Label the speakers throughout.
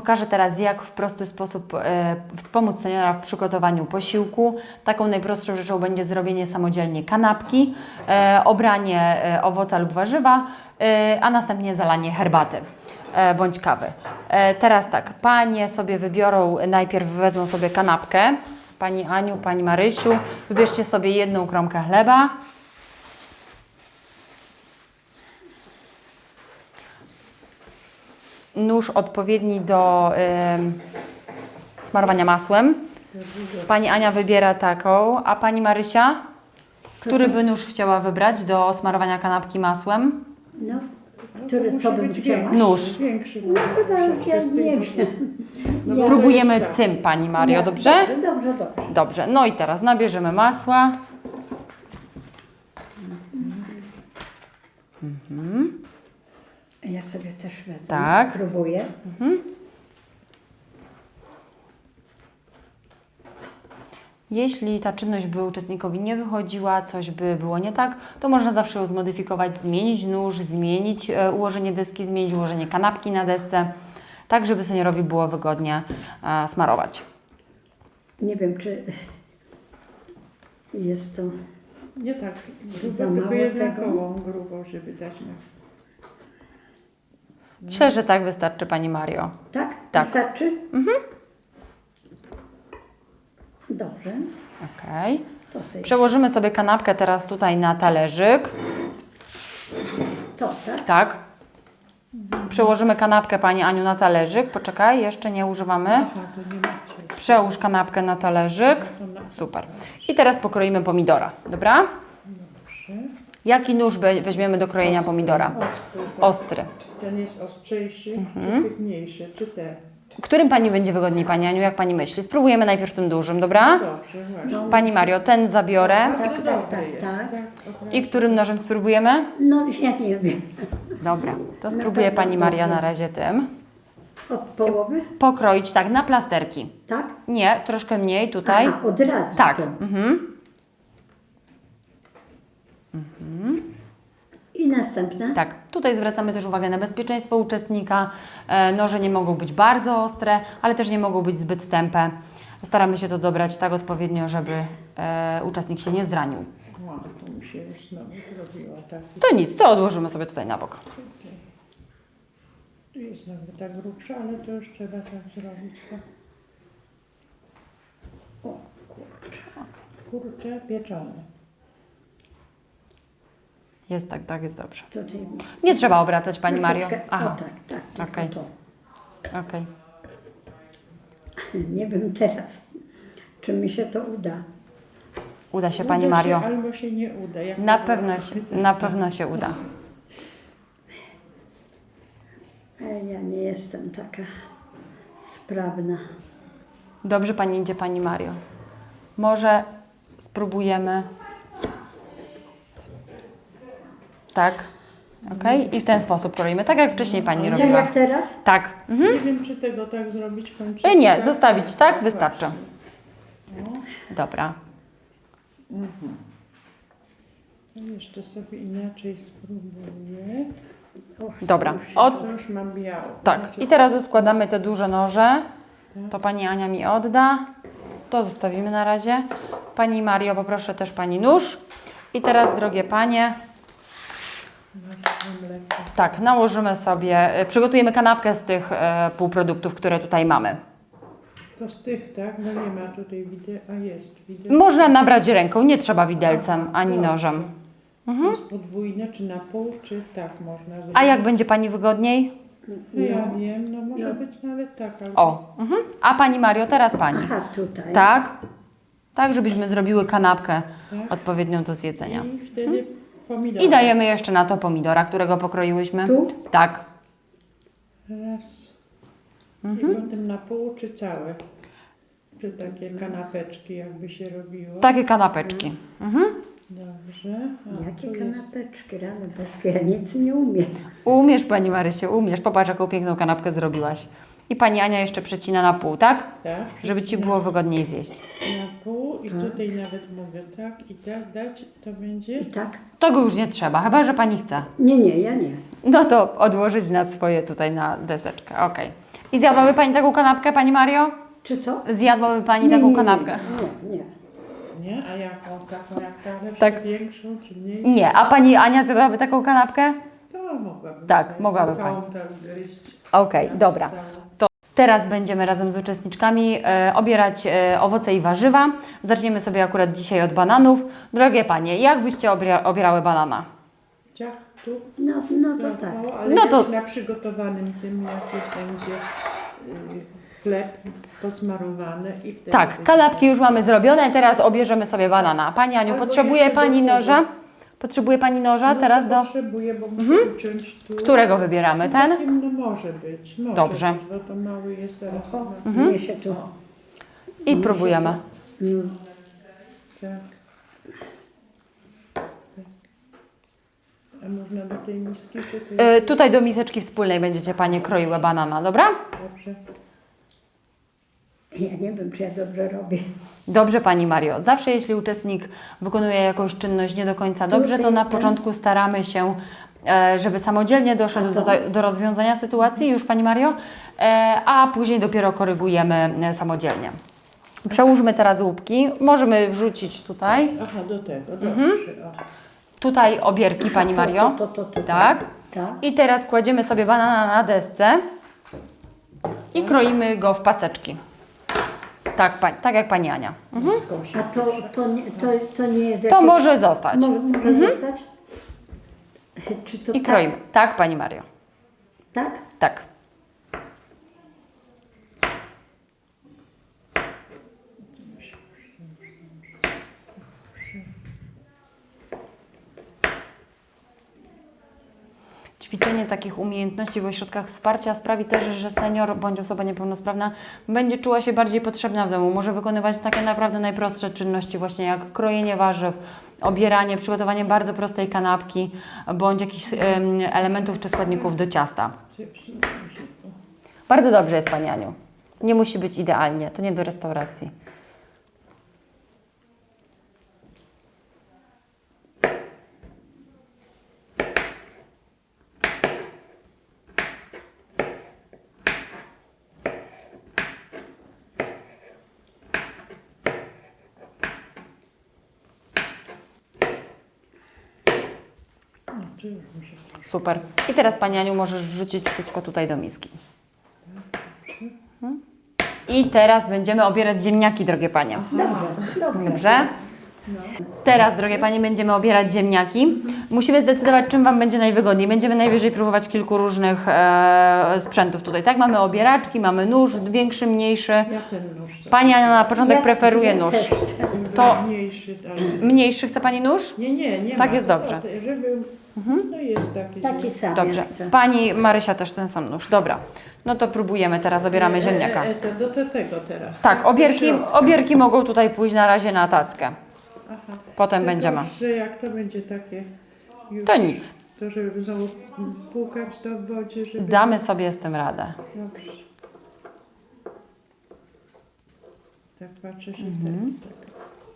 Speaker 1: pokażę teraz, jak w prosty sposób wspomóc seniora w przygotowaniu posiłku. Taką najprostszą rzeczą będzie zrobienie samodzielnie kanapki, obranie owoca lub warzywa, a następnie zalanie herbaty bądź kawy. Teraz tak, panie sobie wybiorą, najpierw wezmą sobie kanapkę. Pani Aniu, Pani Marysiu, wybierzcie sobie jedną kromkę chleba. Nóż odpowiedni do smarowania masłem. Pani Ania wybiera taką, a Pani Marysia? Który by nóż chciała wybrać do smarowania kanapki masłem?
Speaker 2: No, który co bym chciała?
Speaker 1: Nóż.
Speaker 3: Większy
Speaker 2: No chyba ja nie wiem.
Speaker 1: Spróbujemy tym, Pani Mario, dobrze?
Speaker 2: Dobrze.
Speaker 1: Dobrze, no i teraz nabierzemy masła.
Speaker 2: Ja sobie też wezmę.
Speaker 1: Tak.
Speaker 2: Spróbuję.
Speaker 1: Jeśli ta czynność by uczestnikowi nie wychodziła, coś by było nie tak, to można zawsze ją zmodyfikować, zmienić nóż, zmienić ułożenie deski, zmienić ułożenie kanapki na desce, tak żeby seniorowi było wygodnie smarować.
Speaker 2: Nie wiem, czy jest to...
Speaker 3: Nie tak
Speaker 2: Za
Speaker 3: grubo,
Speaker 2: mało
Speaker 3: tylko
Speaker 2: tego?
Speaker 3: jednakową grubą, żeby dać na...
Speaker 1: Myślę, że tak wystarczy, Pani Mario.
Speaker 2: Tak?
Speaker 1: Tak.
Speaker 2: Wystarczy? Dobrze.
Speaker 1: Okej.
Speaker 2: To sobie...
Speaker 1: Przełożymy sobie kanapkę teraz tutaj na talerzyk.
Speaker 2: To, tak?
Speaker 1: Tak. Przełożymy kanapkę, Pani Aniu, na talerzyk. Poczekaj, jeszcze nie używamy.
Speaker 3: Aha, to nie macie.
Speaker 1: Przełóż kanapkę na talerzyk. Super. I teraz pokroimy pomidora, dobra?
Speaker 3: Dobrze.
Speaker 1: Jaki nóż weźmiemy do krojenia pomidora?
Speaker 3: Ostry, tak.
Speaker 1: Ostry.
Speaker 3: Ten jest ostrzejszy, czy tych mniejszy, czy ten?
Speaker 1: Którym Pani będzie wygodniej, Pani Aniu, jak Pani myśli? Spróbujemy najpierw tym dużym, dobra?
Speaker 3: Dobrze, właśnie.
Speaker 1: Pani Mario, ten zabiorę.
Speaker 3: To dobry
Speaker 2: tak,
Speaker 3: jest,
Speaker 2: tak.
Speaker 3: tak.
Speaker 1: I którym nożem spróbujemy?
Speaker 2: No, ja nie wiem.
Speaker 1: Dobra, to spróbuję
Speaker 2: pewno
Speaker 1: Pani Maria
Speaker 2: dobrze.
Speaker 1: na razie tym.
Speaker 2: Od połowy?
Speaker 1: Pokroić tak na plasterki.
Speaker 2: Tak?
Speaker 1: Nie, troszkę mniej tutaj.
Speaker 2: Aha, od razu.
Speaker 1: Tak.
Speaker 2: to. I następne?
Speaker 1: Tak, tutaj zwracamy też uwagę na bezpieczeństwo uczestnika. Noże nie mogą być bardzo ostre, ale też nie mogą być zbyt tępe. Staramy się to dobrać tak odpowiednio, żeby uczestnik się nie zranił.
Speaker 3: O, to mi się już znowu zrobiło. Tak.
Speaker 1: To nic, to odłożymy sobie tutaj na bok.
Speaker 3: Tu jest nawet tak grubsza, ale to już trzeba tak zrobić. Tak.
Speaker 2: O, kurczę.
Speaker 3: Kurcze pieczone.
Speaker 1: Jest tak, tak, jest dobrze.
Speaker 2: Tutaj...
Speaker 1: Nie trzeba obracać, Pani Mario.
Speaker 2: Troszeczkę-
Speaker 1: Aha,
Speaker 2: O tak, tak.
Speaker 1: Okej.
Speaker 2: tylko
Speaker 1: okej.
Speaker 2: to. Nie wiem teraz, czy mi się to uda.
Speaker 1: Uda się,
Speaker 3: Uda
Speaker 1: Pani Mario.
Speaker 3: Się, albo się nie uda. Jak
Speaker 1: Na
Speaker 3: to
Speaker 1: pewno
Speaker 3: było?
Speaker 1: się, na pewno się uda.
Speaker 2: Ja nie jestem taka sprawna.
Speaker 1: Dobrze Pani idzie, Pani Mario. Może spróbujemy. Tak. Okej. I w ten sposób kroimy, tak jak wcześniej Pani
Speaker 2: Tak
Speaker 1: robiła.
Speaker 2: jak teraz?
Speaker 1: Tak.
Speaker 3: Nie wiem, czy tego tak zrobić kończyć.
Speaker 1: Nie, zostawić tak, wystarczy. Dobra.
Speaker 3: To jeszcze sobie inaczej spróbuję.
Speaker 1: Dobra. Od,
Speaker 3: To już mam biało.
Speaker 1: tak.
Speaker 3: Znaczy,
Speaker 1: I teraz odkładamy te duże noże. To Pani Ania mi odda. To zostawimy na razie. Pani Mario, poproszę też Pani nóż. I teraz, drogie Panie,
Speaker 3: masło, mleko.
Speaker 1: tak, nałożymy sobie, przygotujemy kanapkę z tych półproduktów, które tutaj mamy.
Speaker 3: To z tych, tak? No nie ma tutaj a jest widelec.
Speaker 1: Można nabrać ręką, nie trzeba widelcem ani nożem.
Speaker 3: To jest podwójne, czy na pół, czy tak można zrobić.
Speaker 1: A jak będzie Pani wygodniej?
Speaker 3: No ja wiem, no może być nawet tak. Ale...
Speaker 1: O, a Pani Mario, teraz Pani.
Speaker 2: Aha, tutaj.
Speaker 1: Tak? Tak, żebyśmy zrobiły kanapkę
Speaker 3: Tak.
Speaker 1: odpowiednią do zjedzenia.
Speaker 3: I wtedy pomidory.
Speaker 1: I dajemy jeszcze na to pomidora, którego pokroiłyśmy.
Speaker 2: Tu?
Speaker 1: Tak.
Speaker 3: Raz. I potem na pół, czy całe? Czy takie kanapeczki jakby się robiło?
Speaker 1: Takie kanapeczki.
Speaker 3: Dobrze. A,
Speaker 2: Jakie
Speaker 3: tu jest-
Speaker 2: kanapeczki, rany boskie, ja nic nie umiem.
Speaker 1: Umiesz, Pani Marysiu, umiesz. Popatrz, jaką piękną kanapkę zrobiłaś. I Pani Ania jeszcze przecina na pół, tak?
Speaker 3: Tak.
Speaker 1: Żeby Ci było wygodniej zjeść.
Speaker 3: Na pół i tutaj nawet mogę tak i tak dać, to będzie.
Speaker 2: I tak?
Speaker 1: Tego już nie trzeba, chyba że Pani chce.
Speaker 2: Nie, ja nie.
Speaker 1: No to odłożyć na swoje tutaj na deseczkę. Ok. I zjadłaby Pani taką kanapkę, Pani Mario?
Speaker 2: Czy co?
Speaker 1: Zjadłaby Pani taką kanapkę?
Speaker 2: Nie, nie.
Speaker 3: Nie? A jaką? Taką jak ta reszta?
Speaker 1: Tak.
Speaker 3: Większą czy mniejszą?
Speaker 1: Nie. A Pani Ania zjadłaby taką kanapkę?
Speaker 3: To mogłabym
Speaker 1: Tak,
Speaker 3: sobie
Speaker 1: mogłaby
Speaker 3: całą tę gryźć.
Speaker 1: Okej, dobra.
Speaker 3: Całą.
Speaker 1: To teraz będziemy razem z uczestniczkami obierać owoce i warzywa. Zaczniemy sobie akurat dzisiaj od bananów. Drogie Panie, jak byście obierały banana?
Speaker 3: Ciach, tu.
Speaker 2: No to tak.
Speaker 3: O, ale
Speaker 1: No
Speaker 3: no
Speaker 1: to-
Speaker 3: to... na przygotowanym tym, jak już będzie chleb posmarowany i wtedy...
Speaker 1: Tak,
Speaker 3: będzie-
Speaker 1: kanapki już mamy zrobione, teraz obierzemy sobie banana. Pani Aniu,
Speaker 3: Albo
Speaker 1: potrzebuje
Speaker 3: jeszcze
Speaker 1: Pani
Speaker 3: do tego.
Speaker 1: noża? Potrzebuje Pani noża
Speaker 3: No
Speaker 1: teraz
Speaker 3: to
Speaker 1: do...
Speaker 3: potrzebuję, bo muszę uciąć tu.
Speaker 1: Którego wybieramy? Ten?
Speaker 3: Takim, no może być. Może
Speaker 1: Dobrze.
Speaker 3: Być, bo to mały jest teraz. No,
Speaker 2: Mnie się tu.
Speaker 1: I próbujemy.
Speaker 2: No,
Speaker 3: tak. Tak. A można do tej miski, czy to jest...
Speaker 1: Tutaj do miseczki wspólnej będziecie Panie kroiły banana, dobra?
Speaker 3: Dobrze.
Speaker 2: ja nie wiem, czy ja dobrze robię.
Speaker 1: Dobrze Pani Mario. Zawsze jeśli uczestnik wykonuje jakąś czynność nie do końca dobrze, to na początku staramy się, żeby samodzielnie doszedł do rozwiązania sytuacji, już Pani Mario, a później dopiero korygujemy samodzielnie. Przełóżmy teraz łupki. Możemy wrzucić tutaj.
Speaker 3: Aha, do tego, dobrze. O.
Speaker 1: Tutaj obierki Pani Mario.
Speaker 2: To.
Speaker 1: Tak.
Speaker 2: Tak.
Speaker 1: I teraz kładziemy sobie banana na desce i kroimy go w paseczki. Tak jak Pani Ania.
Speaker 3: Miską się
Speaker 2: A to nie jest
Speaker 1: To
Speaker 2: jakieś...
Speaker 1: może zostać.
Speaker 2: Może zostać? Czy to
Speaker 1: I
Speaker 2: tak?
Speaker 1: kroimy. Tak, Pani Mario.
Speaker 2: Tak?
Speaker 1: Tak. Ćwiczenie takich umiejętności w ośrodkach wsparcia sprawi też, że senior bądź osoba niepełnosprawna będzie czuła się bardziej potrzebna w domu. Może wykonywać takie naprawdę najprostsze czynności, właśnie jak krojenie warzyw, obieranie, przygotowanie bardzo prostej kanapki bądź jakichś elementów czy składników do ciasta. Bardzo dobrze jest Pani Aniu. Nie musi być idealnie, to nie do restauracji.
Speaker 3: Tu już mi się...
Speaker 1: Super. I teraz Pani Aniu możesz wrzucić wszystko tutaj do miski. I teraz będziemy obierać ziemniaki, drogie Panie.
Speaker 2: Dobrze.
Speaker 1: Dobrze? Teraz, drogie Panie, będziemy obierać ziemniaki. Musimy zdecydować, czym Wam będzie najwygodniej. Będziemy najwyżej próbować kilku różnych sprzętów tutaj, tak? Mamy obieraczki, mamy nóż, większy, mniejszy.
Speaker 3: Ja ten nóż...
Speaker 1: Pani Ania na początek
Speaker 2: Ja-
Speaker 1: preferuje
Speaker 2: ja
Speaker 1: nóż.
Speaker 2: też.
Speaker 1: To
Speaker 3: Mniejszy, ale...
Speaker 1: mniejszy chce Pani nóż?
Speaker 3: Nie
Speaker 1: Tak
Speaker 3: ma.
Speaker 1: jest dobrze.
Speaker 3: To, żeby... No jest taki...
Speaker 2: Taki sam.
Speaker 1: Dobrze.
Speaker 2: ja chcę.
Speaker 1: Pani Marysia też ten sam nóż. Dobra. No to próbujemy, teraz obieramy ziemniaka.
Speaker 3: To do tego teraz.
Speaker 1: Tak, obierki mogą tutaj pójść na razie na tackę.
Speaker 3: Aha.
Speaker 1: Potem
Speaker 3: Tylko,
Speaker 1: będziemy.
Speaker 3: że jak to będzie takie już...
Speaker 1: To nic.
Speaker 3: To żeby znowu płukać to w wodzie, żeby...
Speaker 1: Damy sobie z tym radę.
Speaker 3: Dobrze. Tak patrzę się
Speaker 1: Mhm.
Speaker 3: teraz. Tak.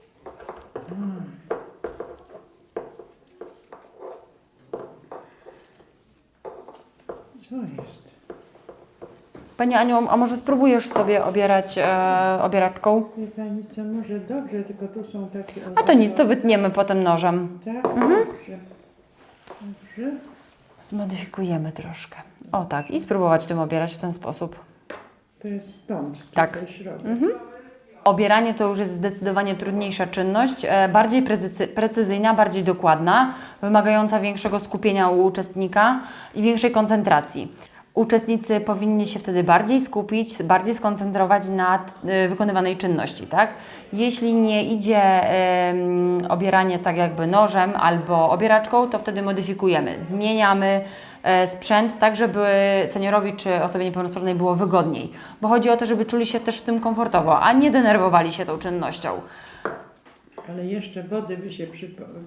Speaker 3: Co jest?
Speaker 1: Pani Aniu, a może spróbujesz sobie obierać obieraczką?
Speaker 3: Wie Pani co, może dobrze, tylko tu są takie...
Speaker 1: A to nic, to wytniemy potem nożem.
Speaker 3: Tak? Dobrze. Dobrze.
Speaker 1: Zmodyfikujemy troszkę. O tak, i spróbować tym obierać w ten sposób.
Speaker 3: To jest stąd,
Speaker 1: Tak.
Speaker 3: tutaj środek.
Speaker 1: Obieranie to już jest zdecydowanie trudniejsza czynność, bardziej precyzyjna, bardziej dokładna, wymagająca większego skupienia u uczestnika i większej koncentracji. Uczestnicy powinni się wtedy bardziej skupić, bardziej skoncentrować nad wykonywanej czynności, tak? Jeśli nie idzie obieranie tak jakby nożem albo obieraczką, to wtedy modyfikujemy, zmieniamy sprzęt tak, żeby seniorowi czy osobie niepełnosprawnej było wygodniej. Bo chodzi o to, żeby czuli się też w tym komfortowo, a nie denerwowali się tą czynnością.
Speaker 3: Ale jeszcze wody by się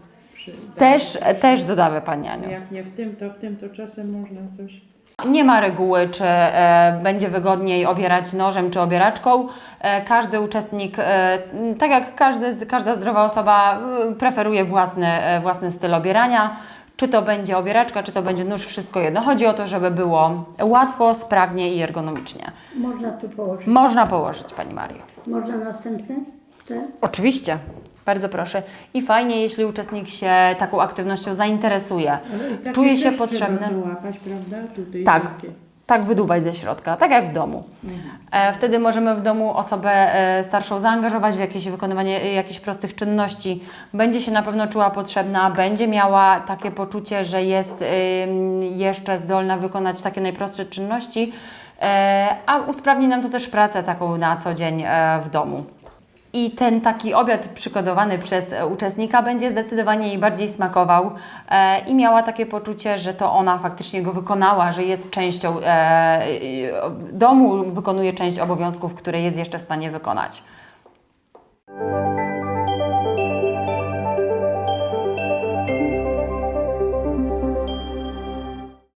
Speaker 1: Też dodamy Pani Aniu.
Speaker 3: Jak nie w tym, to czasem można coś...
Speaker 1: Nie ma reguły, czy będzie wygodniej obierać nożem czy obieraczką. Każdy uczestnik, tak jak każda zdrowa osoba, preferuje własny styl obierania. Czy to będzie obieraczka, czy to będzie nóż, wszystko jedno. Chodzi o to, żeby było łatwo, sprawnie i ergonomicznie.
Speaker 2: Można tu położyć.
Speaker 1: Można położyć, Pani Mario.
Speaker 2: Można następne? Te?
Speaker 1: Oczywiście, bardzo proszę. I fajnie, jeśli uczestnik się taką aktywnością zainteresuje,
Speaker 3: Ale i takie
Speaker 1: czuje się
Speaker 3: też
Speaker 1: potrzebny.
Speaker 3: trzeba załapać, prawda? Tutaj
Speaker 1: Tak,
Speaker 3: takie.
Speaker 1: tak wydłubać ze środka, tak jak w domu. Wtedy możemy w domu osobę starszą zaangażować w jakieś wykonywanie jakichś prostych czynności. Będzie się na pewno czuła potrzebna, będzie miała takie poczucie, że jest jeszcze zdolna wykonać takie najprostsze czynności, a usprawni nam to też pracę taką na co dzień w domu. I ten taki obiad przygotowany przez uczestnika będzie zdecydowanie jej bardziej smakował i miała takie poczucie, że to ona faktycznie go wykonała, że jest częścią domu, wykonuje część obowiązków, które jest jeszcze w stanie wykonać.